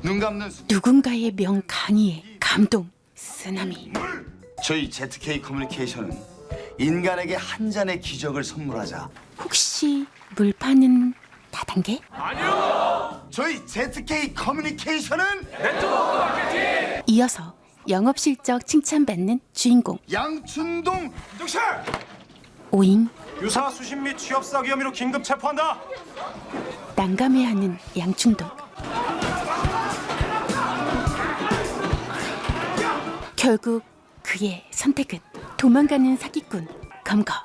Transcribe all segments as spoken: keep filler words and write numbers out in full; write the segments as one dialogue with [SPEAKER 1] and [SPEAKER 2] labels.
[SPEAKER 1] 눈 감는 수...
[SPEAKER 2] 누군가의 명강의에 감동, 쓰나미.
[SPEAKER 1] 저희 제트케이 커뮤니케이션은 인간에게 한 잔의 기적을 선물하자.
[SPEAKER 2] 혹시 물 파는 다단계?
[SPEAKER 1] 저희 제트케이 커뮤니케이션은
[SPEAKER 2] 이어서 영업 실적 칭찬받는 주인공
[SPEAKER 1] 양춘동
[SPEAKER 3] 정실!
[SPEAKER 2] 오잉.
[SPEAKER 3] 유사 수신 및 취업 사기 혐의로 긴급 체포한다.
[SPEAKER 2] 난감해하는 양충동. 결국 그의 선택은 도망가는 사기꾼 검거.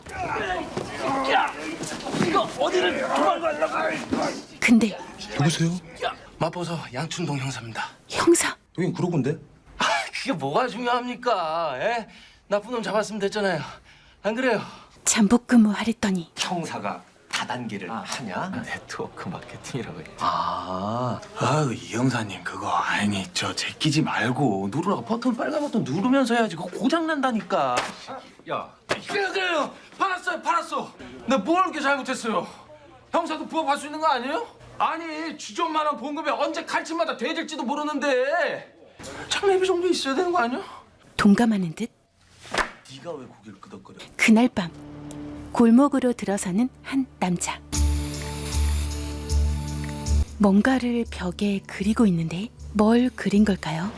[SPEAKER 2] 근데
[SPEAKER 4] 누구세요? 마포서 양춘동 형사입니다.
[SPEAKER 2] 형사
[SPEAKER 4] 여긴 구로군데?
[SPEAKER 5] 아, 그게 뭐가 중요합니까? 에? 나쁜 놈 잡았으면 됐잖아요. 안 그래요?
[SPEAKER 2] 잠복 근무하랬더니
[SPEAKER 5] 형사가 다단계를 하냐?
[SPEAKER 4] 네트워크 마케팅이라고 해.
[SPEAKER 5] 아,
[SPEAKER 4] 아유 이 형사님 그거 아니 저 제끼지 말고 누르라고 버튼 빨간 버튼 누르면서 해야지. 그거 고장 난다니까.
[SPEAKER 5] 야, 그래 그래요. 팔았어요, 팔았어. 내가 뭘 이렇게 잘못했어요? 형사도 부업할 수 있는 거 아니에요? 아니, 주전만한 봉급에 언제 칼집마다 돼질지도 모르는데 장례비 정도 있어야 되는 거 아니야?
[SPEAKER 2] 동감하는 듯
[SPEAKER 4] 네가 왜 고개를 끄덕거려?
[SPEAKER 2] 그날 밤 골목으로 들어서는 한 남자. 뭔가를 벽에 그리고 있는데 뭘 그린 걸까요?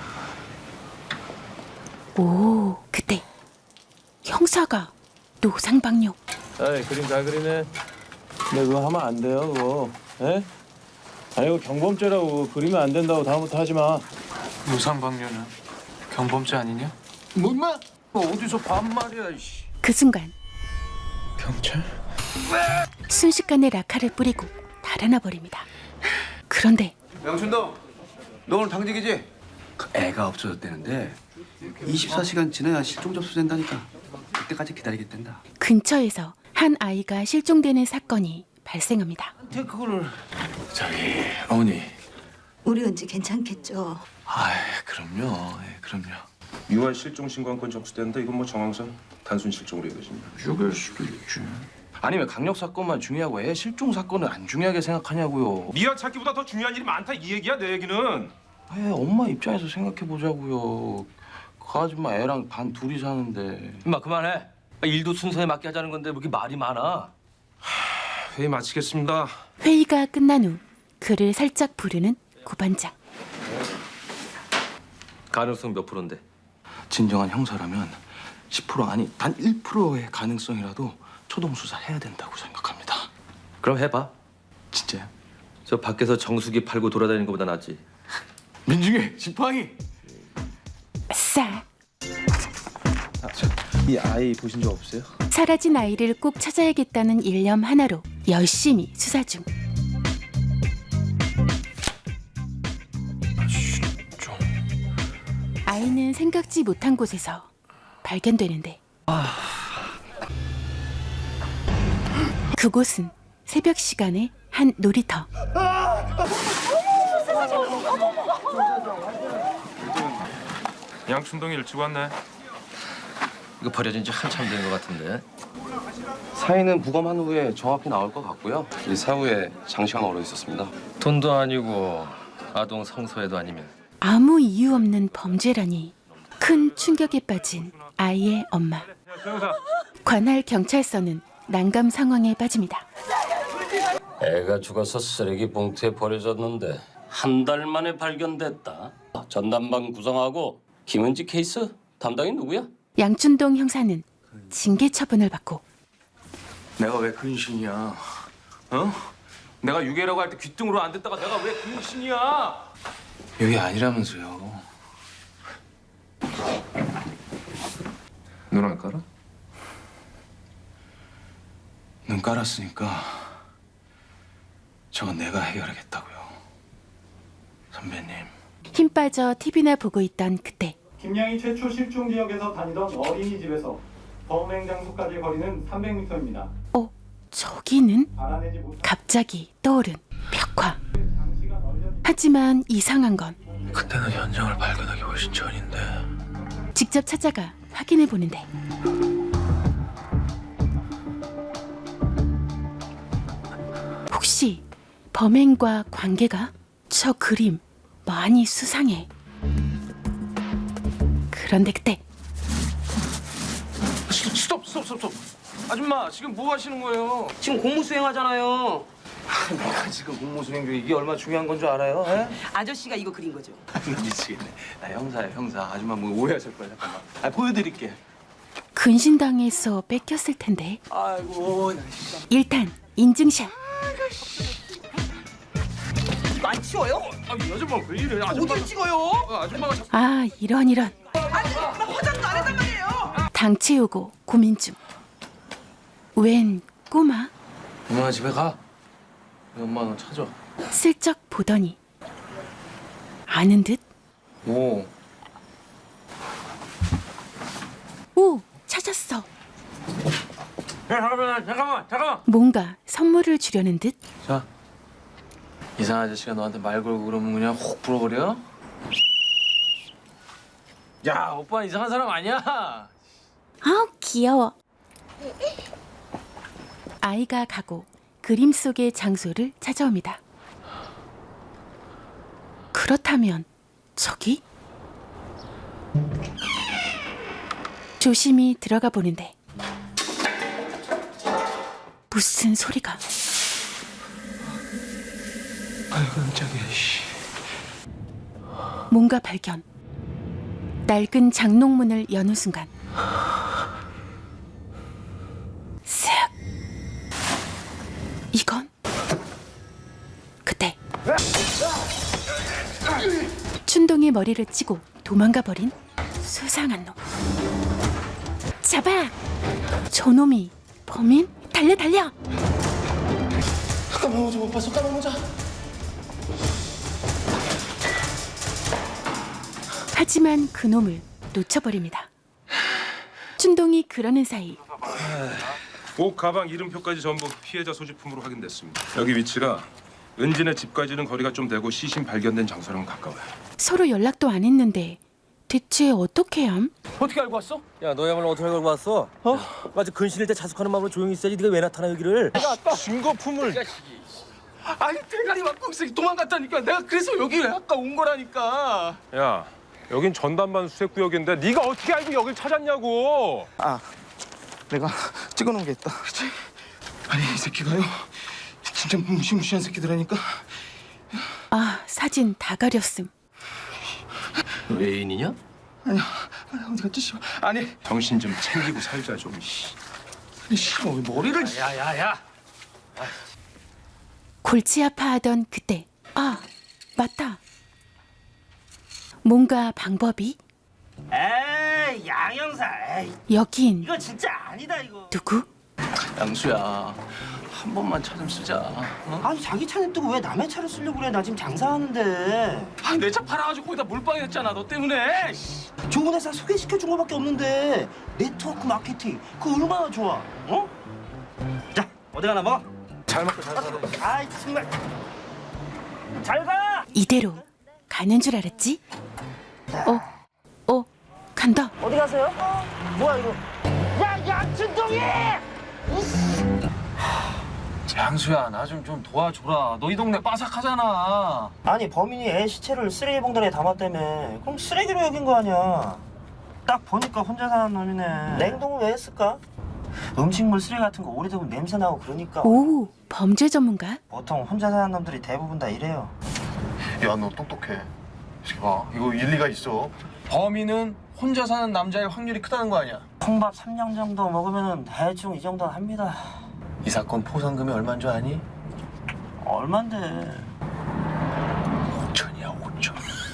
[SPEAKER 2] 오, 그때 형사가 노상방뇨.
[SPEAKER 6] 에이 그림 잘 그리네. 근데 그거 하면 안 돼요 그거. 에? 아니 이거 경범죄라고 그리면 안 된다고 다음부터 하지 마.
[SPEAKER 4] 노상방뇨는 경범죄 아니냐?
[SPEAKER 5] 뭐 임마? 뭐 어디서 반말이야, 이씨.
[SPEAKER 2] 그 순간
[SPEAKER 4] 경찰?
[SPEAKER 2] 순식간에 라카를 뿌리고 달아나 버립니다. 그런데
[SPEAKER 7] 양춘동, 너 오늘 당직이지? 그 애가 없어졌다는데 이십사 시간 지나야 실종 접수된다니까. 그때까지 기다리겠단다.
[SPEAKER 2] 근처에서 한 아이가 실종되는 사건이 발생합니다.
[SPEAKER 4] 그거를 저기 어머니.
[SPEAKER 8] 우리 은지 괜찮겠죠?
[SPEAKER 4] 아 그럼요. 예, 그럼요.
[SPEAKER 3] 유한 실종 신고한 접수됐는데 이건 뭐 정황상 단순 실종으로 이어집니다.
[SPEAKER 4] 죽일 수도 있지. 아니 왜 강력 사건만 중요하고 애 실종 사건은 안 중요하게 생각하냐고요.
[SPEAKER 3] 미아 찾기보다 더 중요한 일이 많다 이 얘기야 내 얘기는.
[SPEAKER 4] 아 엄마 입장에서 생각해 보자고요. 그 아줌마 애랑 반 둘이 사는데.
[SPEAKER 5] 임마 그만해. 일도 순서에 맞게 하자는 건데 왜 이렇게 말이 많아?
[SPEAKER 3] 회의 마치겠습니다.
[SPEAKER 2] 회의가 끝난 후 그를 살짝 부르는 고반장.
[SPEAKER 5] 가능성 몇 프로인데?
[SPEAKER 4] 진정한 형사라면 십 퍼센트 아니 단 일 퍼센트의 가능성이라도 초동 수사해야 된다고 생각합니다.
[SPEAKER 5] 그럼 해봐.
[SPEAKER 4] 진짜요?
[SPEAKER 5] 저 밖에서 정수기 팔고 돌아다니는 것보다 낫지.
[SPEAKER 4] 민중이 지팡이.
[SPEAKER 2] 싸.
[SPEAKER 6] 이 아이 보신 적 없어요?
[SPEAKER 2] 사라진 아이를 꼭 찾아야겠다는 일념 하나로 열심히 수사 중.
[SPEAKER 4] 좀
[SPEAKER 2] 아이는 생각지 못한 곳에서 발견되는데 그곳은 새벽 시간의 한 놀이터.
[SPEAKER 3] 양춘동이 일찍 왔네.
[SPEAKER 5] 이거 버려진 지 한참 된 것 같은데.
[SPEAKER 4] 사인은 부검한 후에 정확히 나올 것 같고요. 이 사후에 장시간 얼어 있었습니다.
[SPEAKER 5] 돈도 아니고 아동 성소에도 아니면.
[SPEAKER 2] 아무 이유 없는 범죄라니. 큰 충격에 빠진 아이의 엄마. 관할 경찰서는 난감 상황에 빠집니다.
[SPEAKER 9] 애가 죽어서 쓰레기 봉투에 버려졌는데 한 달 만에 발견됐다. 전담반 구성하고 김은지 케이스 담당이 누구야?
[SPEAKER 2] 양춘동 형사는 징계 처분을 받고
[SPEAKER 4] 내가 왜 근신이야? 어? 내가 유괴라고 할 때 귀등으로 안 됐다가 내가 왜 근신이야? 여기 아니라면서요.
[SPEAKER 3] 눈 안 깔아?
[SPEAKER 4] 눈 깔았으니까 저건 내가 해결하겠다고요. 선배님.
[SPEAKER 2] 힘 빠져 티비나 보고 있던 그때
[SPEAKER 10] 김양이 최초 실종 지역에서 다니던 어린이집에서 범행 장소까지 거리는 삼백 미터입니다.
[SPEAKER 2] 어? 저기는?
[SPEAKER 10] 알아내지 못한
[SPEAKER 2] 갑자기 떠오른 벽화. 하지만 이상한 건
[SPEAKER 4] 그때는 현장을 발견하기 훨씬 전인데.
[SPEAKER 2] 직접 찾아가 확인해 보는데 혹시 범행과 관계가? 저 그림 많이 수상해. 그런데 그때
[SPEAKER 5] 스톱 스톱 스톱 스톱. 아줌마 지금 뭐 하시는 거예요?
[SPEAKER 7] 지금 공무 수행하잖아요.
[SPEAKER 5] 내가 지금 공무 수행 중에 이게 얼마나 중요한 건 줄 알아요? 에?
[SPEAKER 8] 아저씨가 이거 그린 거죠?
[SPEAKER 5] 미치겠네. 나 형사야 형사. 아줌마 뭐 오해하실 거야 잠깐만. 아 보여드릴게.
[SPEAKER 2] 근신당해서 뺏겼을 텐데.
[SPEAKER 5] 아이고.
[SPEAKER 2] 일단 인증샷.
[SPEAKER 8] 이거 안 치워요?
[SPEAKER 5] 아, 이 아줌마 왜 이래? 아줌마
[SPEAKER 8] 어딜 찍어요?
[SPEAKER 5] 아, 아줌마가 자꾸
[SPEAKER 2] 아 이런 이런.
[SPEAKER 8] 아니 나 화장도 안 했단 말이에요.
[SPEAKER 2] 당 채우고 고민 중. 웬 꼬마?
[SPEAKER 5] 엄마 집에 가. 엄마 너 찾아.
[SPEAKER 2] 슬쩍 보더니 아는 듯.
[SPEAKER 5] 오.
[SPEAKER 2] 오 찾았어.
[SPEAKER 5] 야, 잠깐만 잠깐만 잠깐만.
[SPEAKER 2] 뭔가 선물을 주려는 듯.
[SPEAKER 5] 자. 이상한 아저씨가 너한테 말 걸고 그러면 그냥 혹 불어버려? 야 오빠 이상한 사람 아니야.
[SPEAKER 2] 아우 귀여워. 아이가 가고 그림 속의 장소를 찾아옵니다. 그렇다면 저기? 조심히 들어가 보는데 무슨 소리가?
[SPEAKER 5] 아이고 깜짝이야. 씨.
[SPEAKER 2] 뭔가 발견. 낡은 장롱문을 여는 순간 슥. 이건 그때 춘동이 머리를 찌고 도망가 버린 수상한 놈. 잡아! 저놈이 범인? 달려 달려!
[SPEAKER 5] 까만 모자 못 봤어 까만 모자.
[SPEAKER 2] 하지만 그놈을 놓쳐버립니다. 춘동이 그러는 사이
[SPEAKER 3] 옷, 가방, 이름표까지 전부 피해자 소지품으로 확인됐습니다. 여기 위치가 은진의 집까지는 거리가 좀 되고 시신 발견된 장소랑 가까워요.
[SPEAKER 2] 서로 연락도 안 했는데 대체 어떻게 함?
[SPEAKER 5] 어떻게 알고 왔어?
[SPEAKER 6] 야 너야말로 어떻게 알고 왔어? 어? 아주 근신일 때 자숙하는 마음으로 조용히 있어야지. 네가 왜 나타나 여기를?
[SPEAKER 5] 증거품을. 아니 대가리 막공색이 도망갔다니까. 내가 그래서 여기 아까 온 거라니까.
[SPEAKER 3] 야, 여긴 전담반 수색구역인데 네가 어떻게 알고 여길 찾았냐고.
[SPEAKER 11] 아, 내가 찍어놓은 게 있다.
[SPEAKER 5] 아니 이 새끼가요. 진짜 무시무시한 새끼들하니까.
[SPEAKER 2] 아 사진 다 가렸음.
[SPEAKER 9] 너 애인이냐?
[SPEAKER 5] 아니야. 아니 어디 갔지 씨발. 아니
[SPEAKER 3] 정신 좀 챙기고 살자 좀. 씨.
[SPEAKER 5] 아니 씨발 왜 머리를.
[SPEAKER 9] 야야야.
[SPEAKER 2] 골치 아파하던 그때 아 맞다. 뭔가 방법이?
[SPEAKER 11] 에이, 양형사. 에이,
[SPEAKER 2] 여긴
[SPEAKER 11] 이거 진짜 아니다 이거.
[SPEAKER 2] 누구?
[SPEAKER 5] 양수야 한 번만 차 좀 쓰자. 어?
[SPEAKER 11] 아니 자기 차는 뜨고 왜 남의 차를 쓰려고 그래? 나 지금 장사하는데.
[SPEAKER 5] 아니 내 차 팔아가지고 거기다 몰빵했잖아 너 때문에.
[SPEAKER 11] 좋은 회사 소개시켜 준 거밖에 없는데 네트워크 마케팅 그거 얼마나 좋아? 어? 자 어디 가나 먹어.
[SPEAKER 5] 잘 먹고 잘 살아.
[SPEAKER 11] 아이 정말. 잘 가.
[SPEAKER 2] 이대로 가는 줄 알았지? 어? 어? 간다.
[SPEAKER 11] 어디 가세요? 뭐야 이거? 야 양춘동이!
[SPEAKER 5] 양수야 나 좀 좀 도와줘라. 너 이 동네 빠삭하잖아.
[SPEAKER 11] 아니 범인이 애 시체를 쓰레기 봉다리에 담았다며. 그럼 쓰레기로 여긴 거 아니야. 딱 보니까 혼자 사는 놈이네. 냉동을 왜 했을까? 음식물 쓰레기 같은 거 오래되면 냄새 나고 그러니까.
[SPEAKER 2] 오 범죄 전문가?
[SPEAKER 11] 보통 혼자 사는 놈들이 대부분 다 이래요.
[SPEAKER 12] 야, 너 똑똑해. 이렇게 봐. 이거 일리가 있어.
[SPEAKER 5] 범인은 혼자 사는 남자일 확률이 크다는 거 아니야?
[SPEAKER 11] 콩밥 삼 년 정도 먹으면 대충 이 정도는 합니다.
[SPEAKER 5] 이 사건 포상금이 얼마인 줄 아니?
[SPEAKER 11] 얼만데?
[SPEAKER 5] 오천이야 오천.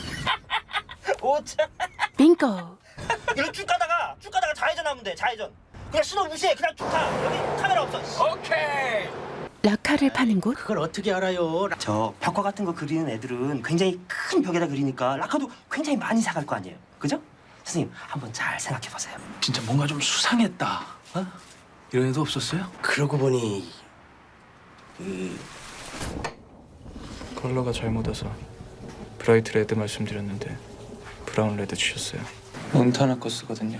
[SPEAKER 11] 오천.
[SPEAKER 2] 빙고.
[SPEAKER 11] 이거 쭉 가다가 쭉 가다가 좌회전 하면 돼. 좌회전. 그냥 신호 무시해. 그냥 쭉 가. 여기 카메라 없어.
[SPEAKER 5] 오케이.
[SPEAKER 2] 라카를 파는 곳?
[SPEAKER 11] 그걸 어떻게 알아요? 저 벽화 같은 거 그리는 애들은 굉장히 큰 벽에다 그리니까 라카도 굉장히 많이 사갈 거 아니에요. 그죠? 선생님 한번 잘 생각해 보세요.
[SPEAKER 5] 진짜 뭔가 좀 수상했다. 어? 이런 애도 없었어요?
[SPEAKER 11] 그러고 보니
[SPEAKER 6] 컬러가 잘못 와서 브라이트 레드 말씀드렸는데 브라운 레드 주셨어요. 몬타나 거 쓰거든요.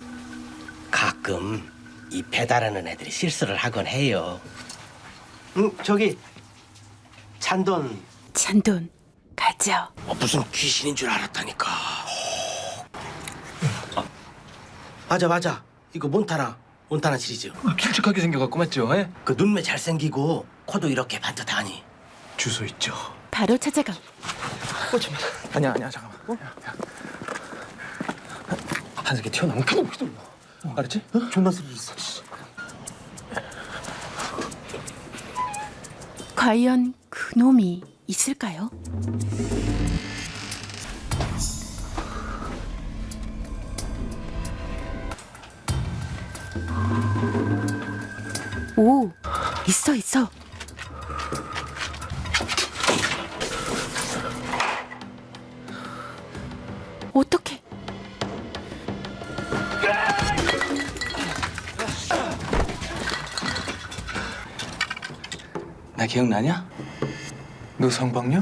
[SPEAKER 11] 가끔 이 배달하는 애들이 실수를 하곤 해요. 응, 저기 잔돈.
[SPEAKER 2] 잔돈 가자. 맞죠?
[SPEAKER 11] 무슨 귀신인 줄 알았다니까. 맞아 맞아. 이거 몬타나 몬타나 시리즈.
[SPEAKER 5] 길쭉하게 생겨갖고 맞죠? 예?
[SPEAKER 11] 그 눈매 잘생기고 코도 이렇게 반듯하니.
[SPEAKER 5] 주소 있죠.
[SPEAKER 2] 바로 찾아가.
[SPEAKER 5] 아니야 아니야 잠깐만. 어? 한석이 튀어나오면 그냥 휘둘러. 어, 알았지? 어?
[SPEAKER 11] 존나 스릴 있어.
[SPEAKER 2] 과연 그 놈이 있을까요? 오, 있어 있어. 어떡해?
[SPEAKER 4] 나 기억나냐?
[SPEAKER 5] 너 성방뇨?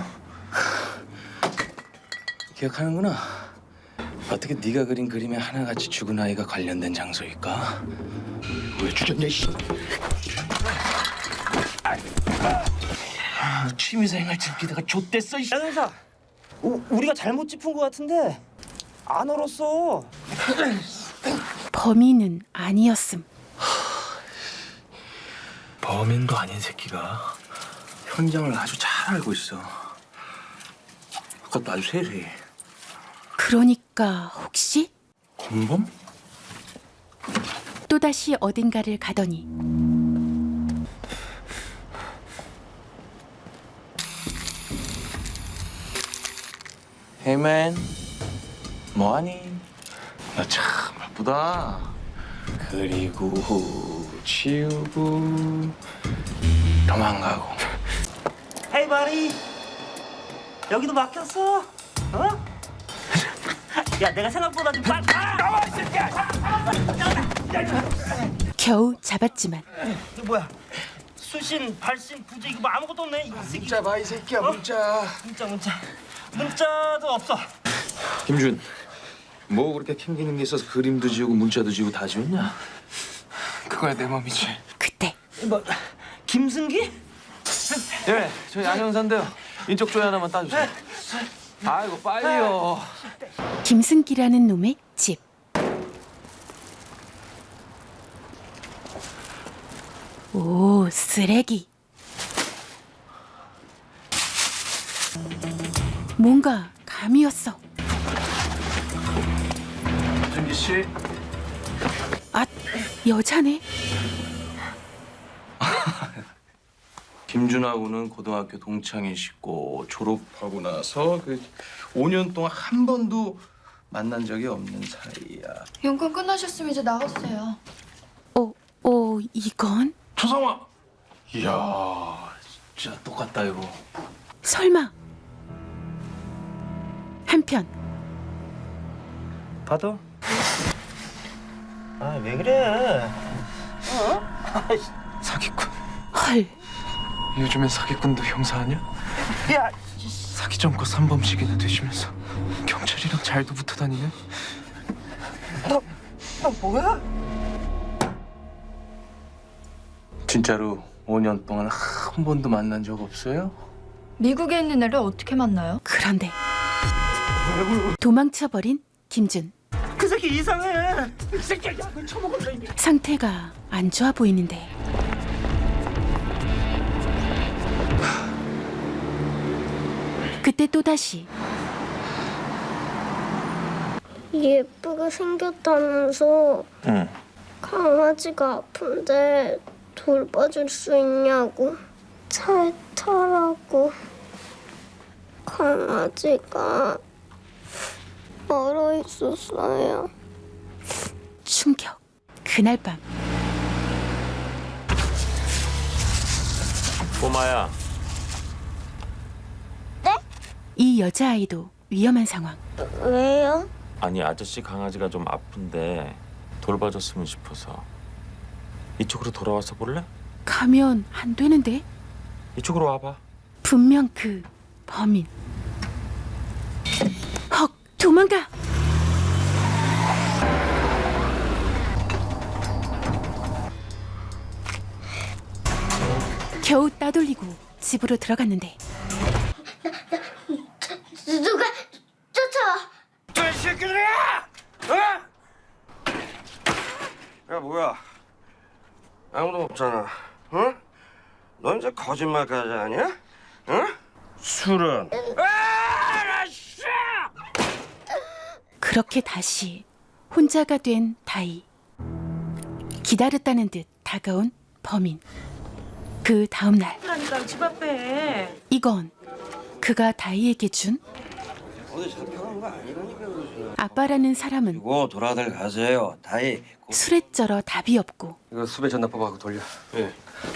[SPEAKER 4] 기억하는구나. 어떻게 네가 그린 그림에 하나같이 죽은 아이가 관련된 장소일까?
[SPEAKER 11] 왜 죽였냐 씨. 취미생활 즐기다가 좆됐어 이. 야 형사, 우, 우리가 잘못 짚은 것 같은데 안 얼었어.
[SPEAKER 2] 범인은 아니었음.
[SPEAKER 4] 범인도 아닌 새끼가 현장을 아주 잘 알고 있어. 그것도 아주 세세히.
[SPEAKER 2] 그러니까 혹시
[SPEAKER 4] 공범?
[SPEAKER 2] 또다시 어딘가를 가더니
[SPEAKER 6] 헤이맨, 뭐하니?
[SPEAKER 4] 나 참 바쁘다. 그리고 치우고 도망가고.
[SPEAKER 11] 헤이 바리, 여기도 막혔어? 어? 야 내가 생각보다 좀 빨리 나와 이 새끼야.
[SPEAKER 2] 겨우 잡았지만
[SPEAKER 11] 이거 뭐야? 수신, 발신, 부재 이거 뭐 아무것도 없네. 이 새끼.
[SPEAKER 5] 문자 봐 이 새끼야
[SPEAKER 11] 어?
[SPEAKER 5] 문자.
[SPEAKER 11] 문자 문자 문자도 없어.
[SPEAKER 4] 김준, 뭐 그렇게 캥기는 게 있어서 그림도 지우고 문자도 지우고 다 지웠냐?
[SPEAKER 5] 그거야 내 맘이지.
[SPEAKER 2] 그때
[SPEAKER 11] 뭐 김승기?
[SPEAKER 6] 예, 저희 안형사인데요. 인적 조회 하나만 따주세요. 아이고 빨리요.
[SPEAKER 2] 김승기라는 놈의 집. 오, 쓰레기. 뭔가 감이었어.
[SPEAKER 4] 준기 씨.
[SPEAKER 2] 아, 여자네.
[SPEAKER 4] 김준하고는 고등학교 동창이시고 졸업하고 나서 그 오 년 동안 한 번도 만난 적이 없는 사이야.
[SPEAKER 13] 연금 끝나셨으면 이제 나가주세요.
[SPEAKER 2] 어, 어, 이건?
[SPEAKER 4] 조성아. 이야, 진짜 똑같다 이거.
[SPEAKER 2] 설마. 한편
[SPEAKER 11] 받아. 아 왜 그래?
[SPEAKER 5] 사기꾼.
[SPEAKER 2] 헐.
[SPEAKER 5] 요즘엔 사기꾼도 형사 아니야?
[SPEAKER 11] 야,
[SPEAKER 5] 사기 전과 삼범씩이나 되시면서 경찰이랑 잘도 붙어 다니네.
[SPEAKER 11] 너, 너 뭐야?
[SPEAKER 4] 진짜로 오 년 동안 한 번도 만난 적 없어요?
[SPEAKER 13] 미국에 있는 애를 어떻게 만나요?
[SPEAKER 2] 그런데 도망쳐버린 김준.
[SPEAKER 11] 그 새끼 이상해. 이 새끼야 약을 처먹었네 이미.
[SPEAKER 2] 상태가 안 좋아 보이는데. 그때 또다시
[SPEAKER 14] 예쁘게 생겼다면서.
[SPEAKER 6] 응.
[SPEAKER 14] 강아지가 아픈데 돌봐줄 수 있냐고. 차에 타라고. 강아지가 얼어 있었어요.
[SPEAKER 2] 충격. 그날 밤
[SPEAKER 6] 꼬마야.
[SPEAKER 2] 이 여자아이도 위험한 상황.
[SPEAKER 14] 왜요?
[SPEAKER 15] 아니 아저씨 강아지가 좀 아픈데 돌봐줬으면 싶어서. 이쪽으로 돌아와서 볼래?
[SPEAKER 2] 가면 안 되는데.
[SPEAKER 15] 이쪽으로 와봐.
[SPEAKER 2] 분명 그 범인. 헉, 도망가. 겨우 따돌리고 집으로 들어갔는데
[SPEAKER 11] 뭐야? 아무도 없잖아. 응? 너 이제 거짓말까지 하냐? 응? 술은?
[SPEAKER 2] 그렇게 다시 혼자가 된 다이. 기다렸다는 듯 다가온 범인. 그 다음 날
[SPEAKER 8] 그러니까 집 앞에.
[SPEAKER 2] 이건 그가 다이에게 준
[SPEAKER 11] 어디 잡혀간 거 아니라니까 그러지.
[SPEAKER 2] 아빠라는 사람은
[SPEAKER 11] 이거 돌아들 가세요. 다이.
[SPEAKER 2] 술에 쩔어 답이 없고
[SPEAKER 11] 이거 수배 전납법하고 돌려. 예.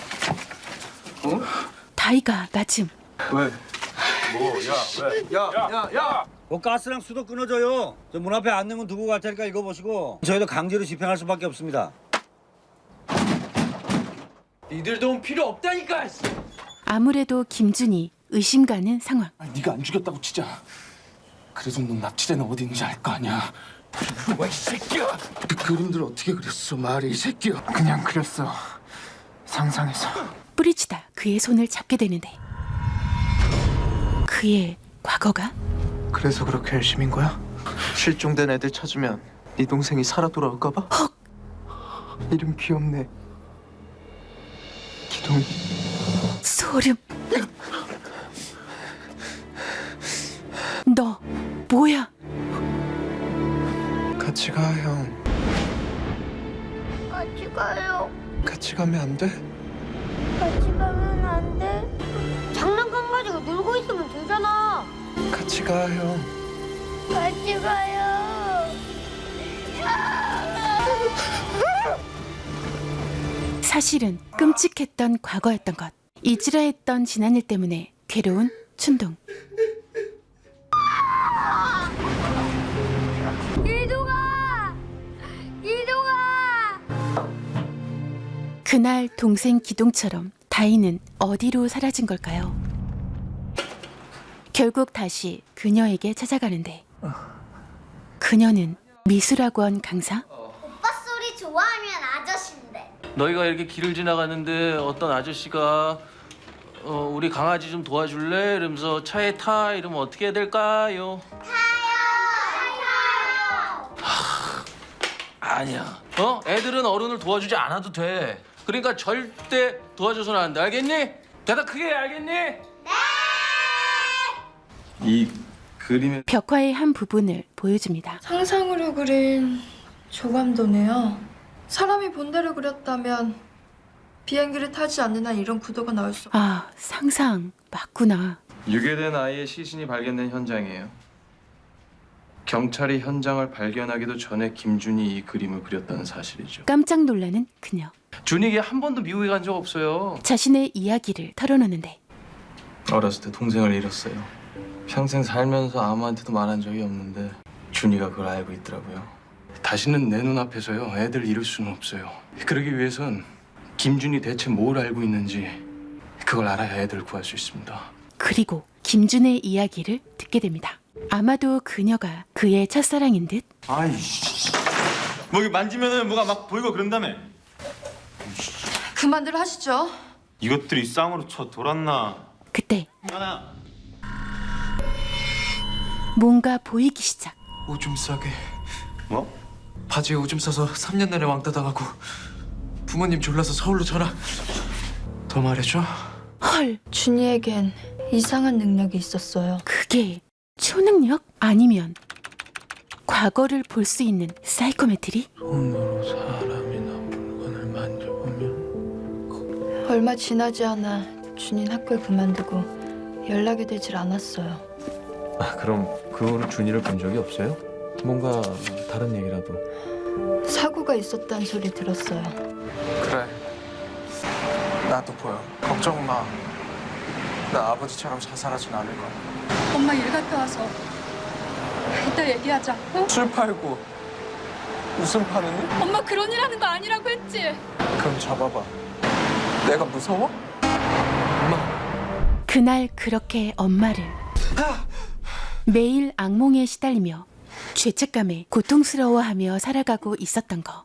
[SPEAKER 2] 다이가 마침
[SPEAKER 5] 왜? 뭐야 왜? 야야 야!
[SPEAKER 16] 뭐 가스랑 수도 끊어져요. 저 문 앞에 안내문 두고 갈 테니까 읽어보시고 저희도 강제로 집행할 수밖에 없습니다.
[SPEAKER 5] 니들 도움 필요 없다니까.
[SPEAKER 2] 아무래도 김준이 의심 가는 상황.
[SPEAKER 5] 아니, 네가 안 죽였다고 치자. 그래도 넌 납치되는 어디 있는지 알 거 아니야. 와, 이 새끼야. 그 그림들 어떻게 그렸어, 말이 이 새끼야. 그냥 그렸어. 상상해서.
[SPEAKER 2] 뿌리치다 그의 손을 잡게 되는데 그의 과거가
[SPEAKER 17] 그래서 그렇게 열심인 거야? 실종된 애들 찾으면 네 동생이 살아 돌아올까 봐?
[SPEAKER 2] 헉!
[SPEAKER 17] 이름 귀엽네. 기동이.
[SPEAKER 2] 소름. 너 뭐야?
[SPEAKER 17] 같이 가, 형.
[SPEAKER 14] 같이 가요.
[SPEAKER 17] 같이 가면 안 돼?
[SPEAKER 14] 같이 가면 안 돼? 장난감 가지고 놀고 있으면 되잖아.
[SPEAKER 17] 같이 가, 형.
[SPEAKER 14] 같이 가요.
[SPEAKER 2] 사실은 끔찍했던 과거였던 것. 잊으려 했던 지난일 때문에 괴로운 춘동.
[SPEAKER 14] 이동아! 이동아!
[SPEAKER 2] 그날 동생 기동처럼 다이는 어디로 사라진 걸까요? 결국 다시 그녀에게 찾아가는데 그녀는 미술학원 강사?
[SPEAKER 14] 오빠 소리 좋아하면 아저씨인데.
[SPEAKER 4] 너희가 이렇게 길을 지나가는데 어떤 아저씨가 어, 우리 강아지 좀 도와줄래? 이러면서 차에 타 이러면 어떻게 해야 될까요? 하, 아니야. 어? 애들은 어른을 도와주지 않아도 돼. 그러니까 절대 도와줘서는 안 돼. 알겠니? 대답 크게 해, 알겠니?
[SPEAKER 3] 이 그림의
[SPEAKER 2] 벽화의 한 부분을 보여줍니다.
[SPEAKER 13] 상상으로 그린 조감도네요. 사람이 본대로 그렸다면 비행기를 타지 않는 한 이런 구도가 나올 수.
[SPEAKER 2] 아, 상상 맞구나.
[SPEAKER 3] 유괴된 아이의 시신이 발견된 현장이에요. 경찰이 현장을 발견하기도 전에 김준이 이 그림을 그렸다는 사실이죠.
[SPEAKER 2] 깜짝 놀라는 그녀.
[SPEAKER 4] 준익이 한 번도 미국에 간 적 없어요.
[SPEAKER 2] 자신의 이야기를 털어놓는데
[SPEAKER 3] 어렸을 때 동생을 잃었어요. 평생 살면서 아무한테도 말한 적이 없는데 준이가 그걸 알고 있더라고요. 다시는 내 눈앞에서요 애들 잃을 수는 없어요. 그러기 위해선 김준이 대체 뭘 알고 있는지 그걸 알아야 애들을 구할 수 있습니다.
[SPEAKER 2] 그리고 김준의 이야기를 듣게 됩니다. 아마도 그녀가 그의 첫사랑인 듯.
[SPEAKER 6] 아이씨. 뭐 이게 만지면은 뭐가 막 보이고 그런다며.
[SPEAKER 13] 그만들 하시죠.
[SPEAKER 6] 이것들이 쌍으로 쳐 돌았나?
[SPEAKER 2] 그때
[SPEAKER 6] 하나.
[SPEAKER 2] 뭔가 보이기 시작.
[SPEAKER 17] 오줌 싸게.
[SPEAKER 6] 뭐?
[SPEAKER 17] 바지에 오줌 싸서 삼 년 내내 왕따 당하고 부모님 졸라서 서울로 전학. 더 말해줘.
[SPEAKER 2] 헐,
[SPEAKER 13] 준이에겐 이상한 능력이 있었어요.
[SPEAKER 2] 그게 초능력? 아니면 과거를 볼 수 있는 사이코메트리?
[SPEAKER 17] 손으로 사람이나 물건을 만져보면
[SPEAKER 13] 얼마 지나지 않아 준이는 학교를 그만두고 연락이 되질 않았어요.
[SPEAKER 6] 아 그럼 그 후로 준이를 본 적이 없어요? 뭔가 다른 얘기라도.
[SPEAKER 13] 사고가 있었다는 소리 들었어요.
[SPEAKER 17] 그래. 나도 보여. 걱정 마. 나 아버지처럼 자살하진 않을 거야.
[SPEAKER 13] 엄마 일 갔다 와서 이따 얘기하자. 어?
[SPEAKER 17] 술 팔고 웃음 파는 일?
[SPEAKER 13] 엄마 그런 일 하는 거 아니라고 했지?
[SPEAKER 17] 그럼 잡아봐. 내가 무서워?
[SPEAKER 2] 그날 그렇게 엄마를 매일 악몽에 시달리며 죄책감에 고통스러워하며 살아가고 있었던 거.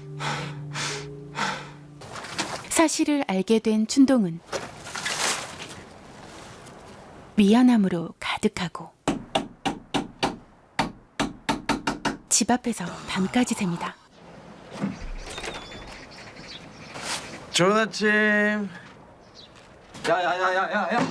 [SPEAKER 2] 사실을 알게 된 춘동은 미안함으로 가득하고 집 앞에서 밤까지 셉니다.
[SPEAKER 6] 좋은 아침.
[SPEAKER 5] 야야야야야야.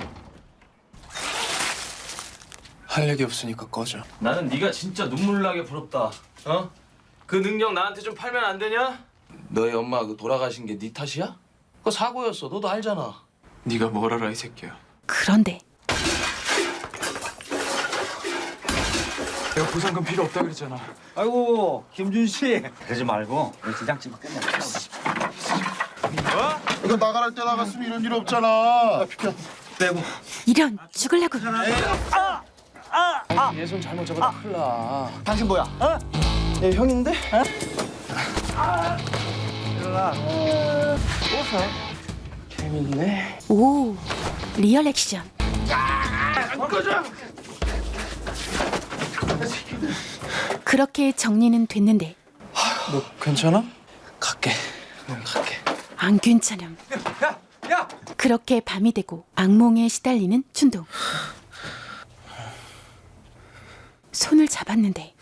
[SPEAKER 3] 할 얘기 없으니까 꺼져.
[SPEAKER 4] 나는 네가 진짜 눈물 나게 부럽다. 어? 그 능력 나한테 좀 팔면 안 되냐?
[SPEAKER 3] 너희 엄마 그 돌아가신 게 네 탓이야? 그거 사고였어. 너도 알잖아. 네가 뭘 알아 이 새끼야.
[SPEAKER 2] 그런데
[SPEAKER 3] 내가 보상금 필요 없다 그랬잖아.
[SPEAKER 16] 아이고 김준 씨 그러지 말고 우리 지장집 끝내.
[SPEAKER 12] 이거 나가랄 때 나갔으면 이런 일 없잖아. 비켜.
[SPEAKER 16] 빼고.
[SPEAKER 2] 이런 죽을라고.
[SPEAKER 16] 아, 아.
[SPEAKER 3] 얘 손 잘못 잡아도 큰일 나.
[SPEAKER 16] 당신 뭐야? 어?
[SPEAKER 3] 얘 형인데?
[SPEAKER 16] 어? 아. 일어나.
[SPEAKER 3] 재밌네.
[SPEAKER 2] 오, 리얼 액션.
[SPEAKER 16] 꺼져.
[SPEAKER 2] 그렇게 정리는 됐는데
[SPEAKER 3] 너 괜찮아? 갈게. 응, 갈게.
[SPEAKER 2] 안 괜찮음.
[SPEAKER 5] 야, 야.
[SPEAKER 2] 그렇게 밤이 되고 악몽에 시달리는 춘동. 손을 잡았는데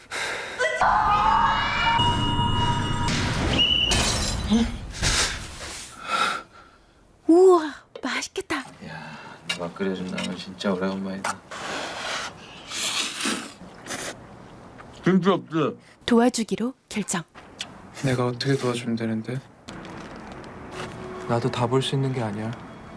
[SPEAKER 2] 우와, 맛있겠다.
[SPEAKER 3] 야, 누가 끓여준 라면 진짜 오래간만이다.
[SPEAKER 6] 김치 없지?
[SPEAKER 2] 도와주기로 결정.
[SPEAKER 3] 내가 어떻게 도와주면 되는데? 나도 다 볼 수 있는 게 아니야.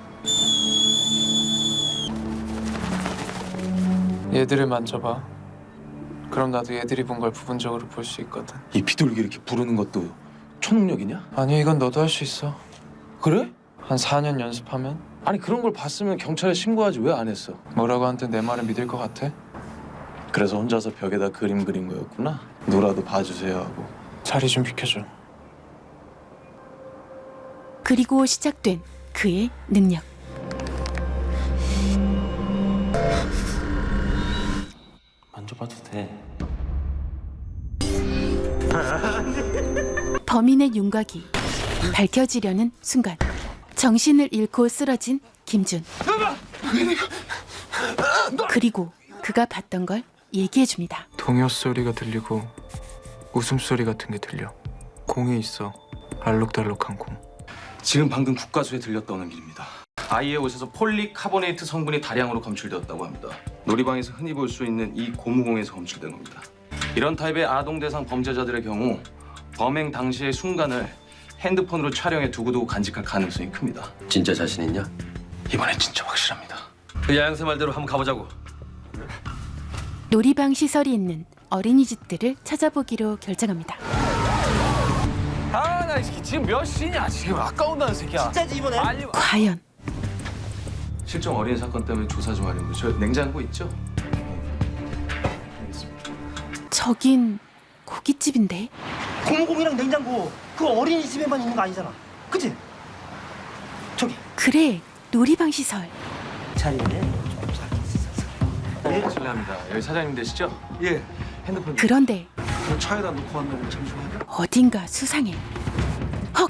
[SPEAKER 3] 얘들을 만져봐. 그럼 나도 얘들이 본 걸 부분적으로 볼 수 있거든.
[SPEAKER 6] 이 비둘기 이렇게 부르는 것도 초능력이냐?
[SPEAKER 3] 아니 이건 너도 할 수 있어.
[SPEAKER 6] 그래?
[SPEAKER 3] 한 사 년 연습하면?
[SPEAKER 6] 아니 그런 걸 봤으면 경찰에 신고하지 왜 안 했어?
[SPEAKER 3] 뭐라고 하든 내 말을 믿을 것 같아?
[SPEAKER 6] 그래서 혼자서 벽에다 그림 그린 거였구나. 누라도 봐주세요 하고.
[SPEAKER 3] 자리 좀 비켜줘.
[SPEAKER 2] 그리고 시작된 그의 능력.
[SPEAKER 15] 만져봐도 돼.
[SPEAKER 2] 범인의 윤곽이 밝혀지려는 순간 정신을 잃고 쓰러진 김준. 그리고 그가 봤던 걸 얘기해줍니다.
[SPEAKER 3] 동요 소리가 들리고 웃음소리 같은 게 들려. 공이 있어. 알록달록한 공.
[SPEAKER 4] 지금 방금 국가수에 들렸다는 길입니다. 아이의 옷에서 폴리카보네이트 성분이 다량으로 검출되었다고 합니다. 놀이방에서 흔히 볼 수 있는 이 고무공에서 검출된 겁니다. 이런 타입의 아동 대상 범죄자들의 경우 범행 당시의 순간을 핸드폰으로 촬영해 두고두고 간직할 가능성이 큽니다.
[SPEAKER 9] 진짜 자신 있냐?
[SPEAKER 4] 이번엔 진짜 확실합니다.
[SPEAKER 9] 그 야영새 말대로 한번 가보자고.
[SPEAKER 2] 놀이방 시설이 있는 어린이집들을 찾아보기로 결정합니다.
[SPEAKER 5] 아, 나 지금 몇 시냐? 지금 아까운다는 새끼야.
[SPEAKER 11] 진짜지 이번에?
[SPEAKER 5] 아니,
[SPEAKER 2] 과연
[SPEAKER 4] 실종 어린 사건 때문에 조사 좀 하려고 저 냉장고 있죠?
[SPEAKER 2] 저긴 고깃집인데.
[SPEAKER 11] 고무공이랑 냉장고 그 어린이집에만 있는 거 아니잖아. 그치? 저기
[SPEAKER 2] 그래, 놀이방 시설.
[SPEAKER 11] 자리에
[SPEAKER 4] 네, 실례합니다. 여기 사장님 되시죠?
[SPEAKER 5] 예.
[SPEAKER 4] 핸드폰
[SPEAKER 2] 그런데
[SPEAKER 5] 저 차에다 놓고 왔는데 잠시만요.
[SPEAKER 2] 어딘가 수상해. 헉!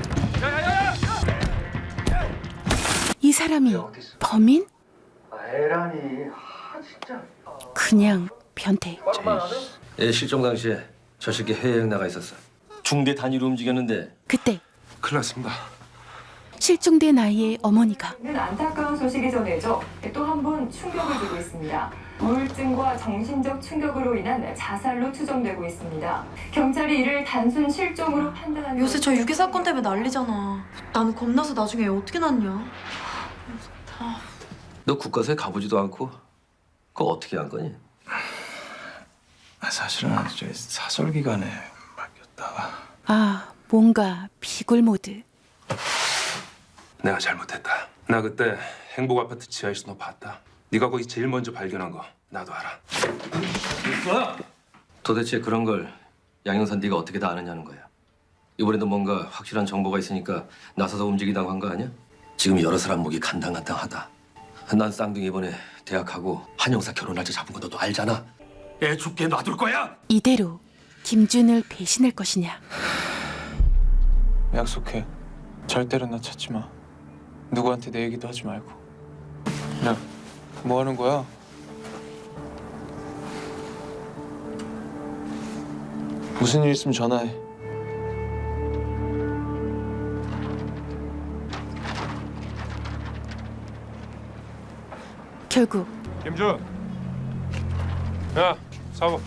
[SPEAKER 2] 이 사람이 범인?
[SPEAKER 5] 에라니, 아 진짜.
[SPEAKER 2] 그냥 변태.
[SPEAKER 9] 얘 실종 당시에 저 새끼 해외여행 나가 있었어. 중대 단위로 움직였는데.
[SPEAKER 2] 그때
[SPEAKER 3] 큰일 났습니다.
[SPEAKER 2] 실종된 아이의 어머니가
[SPEAKER 18] 안타까운 소식이 전해져 또 한 번 충격을 주고 있습니다. 우울증과 정신적 충격으로 인한 자살로 추정되고 있습니다. 경찰이 이를 단순 실종으로 판단한.
[SPEAKER 13] 요새 저 유괴 사건 때문에 난리잖아. 나는 겁나서 나중에 애 어떻게 낳냐.
[SPEAKER 9] 너 국가서에 가보지도 않고 그거 어떻게 한 거니?
[SPEAKER 3] 사실은 저 사설 기간에 맡겼다가.
[SPEAKER 2] 아, 뭔가 비굴 모드.
[SPEAKER 19] 내가 잘못했다. 나 그때 행복 아파트 지하에서 너 봤다. 네가 거기 제일 먼저 발견한 거 나도 알아.
[SPEAKER 9] 도대체 그런 걸 양형산 네가 어떻게 다 아느냐는 거야. 이번에도 뭔가 확실한 정보가 있으니까 나서서 움직이다고 한 거 아니야? 지금 여러 사람 목이 간당간당하다. 난 쌍둥이 이번에 대학하고 한 형사 결혼 날짜 잡은 거 너도 알잖아.
[SPEAKER 19] 애 죽게 놔둘 거야?
[SPEAKER 2] 이대로 김준을 배신할 것이냐.
[SPEAKER 3] 약속해. 절대로 나 찾지 마. 누구한테 내 얘기도 하지 말고. 야, 뭐 하는 거야? 무슨 일 있으면 전화해.
[SPEAKER 2] 결국
[SPEAKER 6] 김준. 야, 사보.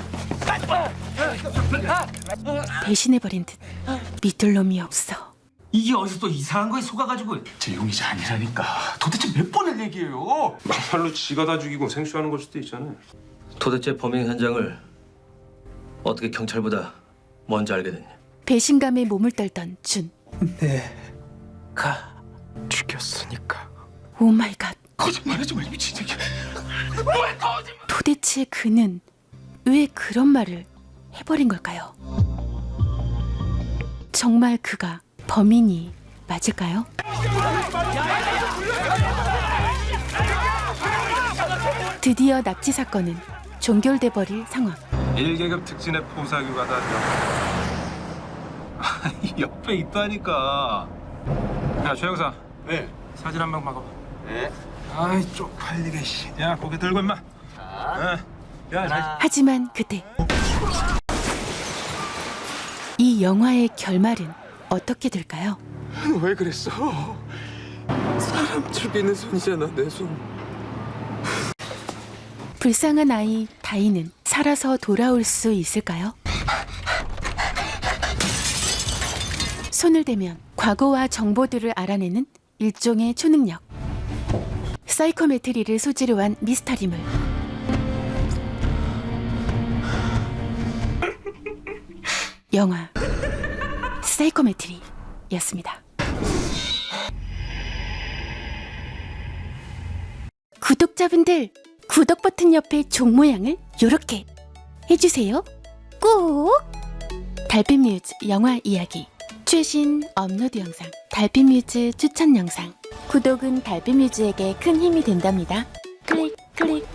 [SPEAKER 2] 배신해버린 듯 믿을 놈이 없어.
[SPEAKER 5] 이게 어디서 또 이상한 거에 속아가지고 제 용의자 아니라니까. 도대체 몇 번을 얘기해요?
[SPEAKER 19] 막말로 지가 다 죽이고 생쇼하는 걸 수도 있잖아요.
[SPEAKER 9] 도대체 범행 현장을 어떻게 경찰보다 먼저 알게 됐냐?
[SPEAKER 2] 배신감에 몸을 떨던 준.
[SPEAKER 3] 내가 죽였으니까.
[SPEAKER 2] 오 마이 갓.
[SPEAKER 5] 거짓말하지 마, 미친 새끼. 왜 거짓말?
[SPEAKER 2] 도대체 그는 왜 그런 말을 해버린 걸까요? 정말 그가 범인이 맞을까요? 드디어 납치 사건은 종결돼 버릴 상황.
[SPEAKER 6] 일 계급 특진의 포사규가다. 옆에 있다니까. 야, 최 형사. 네. 사진 한 방 막아봐. 네. 아이, 쪽팔리게 씨. 야, 고개 들고 임마. 자. 네. 야, 잘...
[SPEAKER 2] 하지만 그때 이 영화의 결말은 어떻게 될까요?
[SPEAKER 3] 왜 그랬어? 사람 죽이는 손이잖아, 내 손.
[SPEAKER 2] 불쌍한 아이 다이는 살아서 돌아올 수 있을까요? 손을 대면 과거와 정보들을 알아내는 일종의 초능력. 사이코메트리를 소재로 한 미스터리물. 영화 사이코메트리였습니다. 구독자분들, 구독 버튼 옆에 종 모양을 요렇게 해주세요. 꼭! 달빛뮤즈 영화 이야기 최신 업로드 영상, 달빛뮤즈 추천 영상. 구독은 달빛뮤즈에게 큰 힘이 된답니다. 클릭 클릭.